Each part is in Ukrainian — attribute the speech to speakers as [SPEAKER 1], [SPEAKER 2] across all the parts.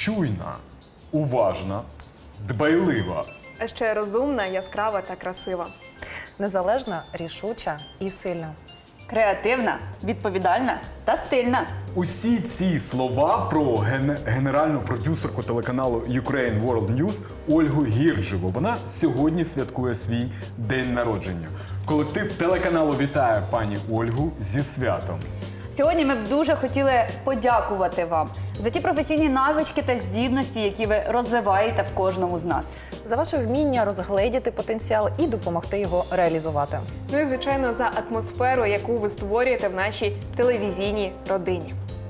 [SPEAKER 1] чуйна, уважна, дбайлива.
[SPEAKER 2] А ще розумна, яскрава та красива.
[SPEAKER 3] Незалежна, рішуча і сильна.
[SPEAKER 4] Креативна, відповідальна та стильна.
[SPEAKER 1] Усі ці слова про генеральну продюсерку телеканалу Ukraine World News Ольгу Гірджеву. Вона сьогодні святкує свій день народження. Колектив телеканалу вітає пані Ольгу зі святом.
[SPEAKER 4] Сьогодні ми б дуже хотіли подякувати вам за ті професійні навички та здібності, які ви розвиваєте в кожному з нас.
[SPEAKER 3] За ваше вміння розгледіти потенціал і допомогти його реалізувати.
[SPEAKER 2] Ну і, звичайно, за атмосферу, яку ви створюєте в нашій телевізійній родині.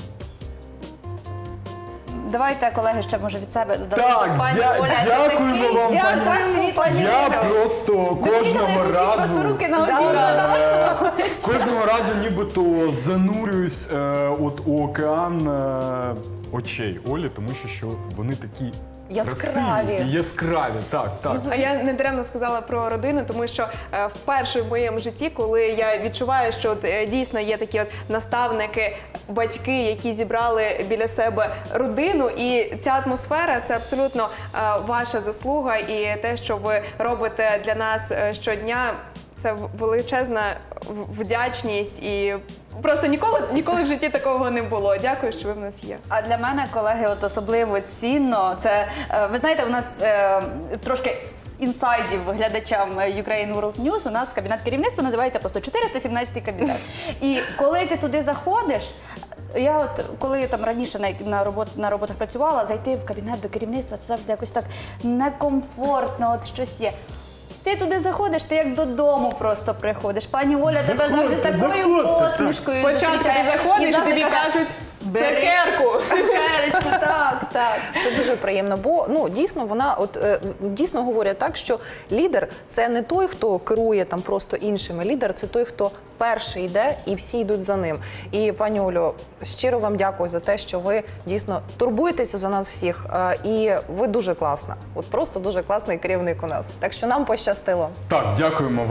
[SPEAKER 4] Давайте, колеги, ще може від себе додати.
[SPEAKER 1] Так,
[SPEAKER 4] Пані Оля, це
[SPEAKER 1] дякуємо
[SPEAKER 4] такий
[SPEAKER 1] вам,
[SPEAKER 4] ярка,
[SPEAKER 1] пані.
[SPEAKER 4] світла
[SPEAKER 1] Я
[SPEAKER 4] людина.
[SPEAKER 1] просто
[SPEAKER 4] Ви
[SPEAKER 1] кожного
[SPEAKER 4] бачите, як усі
[SPEAKER 1] разу...
[SPEAKER 4] просто руки на обіймі.
[SPEAKER 1] Кожного разу нібито занурююсь от у океан очей Олі, тому що вони такі
[SPEAKER 3] Яскраві.
[SPEAKER 1] красиві і яскраві. Так, так.
[SPEAKER 2] А я не даремно сказала про родину, тому що вперше в моєму житті, коли я відчуваю, що от, дійсно є такі от наставники, батьки, які зібрали біля себе родину, і ця атмосфера – це абсолютно ваша заслуга, і те, що ви робите для нас щодня, це величезна вдячність, і просто ніколи в житті такого не було. Дякую, що ви в нас є.
[SPEAKER 4] А для мене, колеги, от особливо цінно, це, ви знаєте, у нас трошки інсайдів глядачам Ukraine World News, у нас кабінет керівництва називається просто 417-й кабінет. І коли ти туди заходиш, я от, коли там раніше на роботах працювала, зайти в кабінет до керівництва, це завжди якось так некомфортно, от щось є. Ти туди заходиш, ти як додому просто приходиш. Пані Оля тебе завжди з такою посмішкою
[SPEAKER 2] Спочатку ти заходиш, і
[SPEAKER 4] завжди
[SPEAKER 2] тобі
[SPEAKER 4] каже,
[SPEAKER 2] кажуть
[SPEAKER 4] «Бери
[SPEAKER 2] цукерку».
[SPEAKER 4] Цукерочку, так, так.
[SPEAKER 3] Це дуже приємно, бо дійсно вона дійсно говорять так, що лідер це не той, хто керує там просто іншими. Лідер це той, хто перший йде і всі йдуть за ним. І пані Олю, щиро вам дякую за те, що ви дійсно турбуєтеся за нас всіх. І ви дуже класна. От просто дуже класний керівник у нас. Так що нам пощастило.
[SPEAKER 1] Так, дякуємо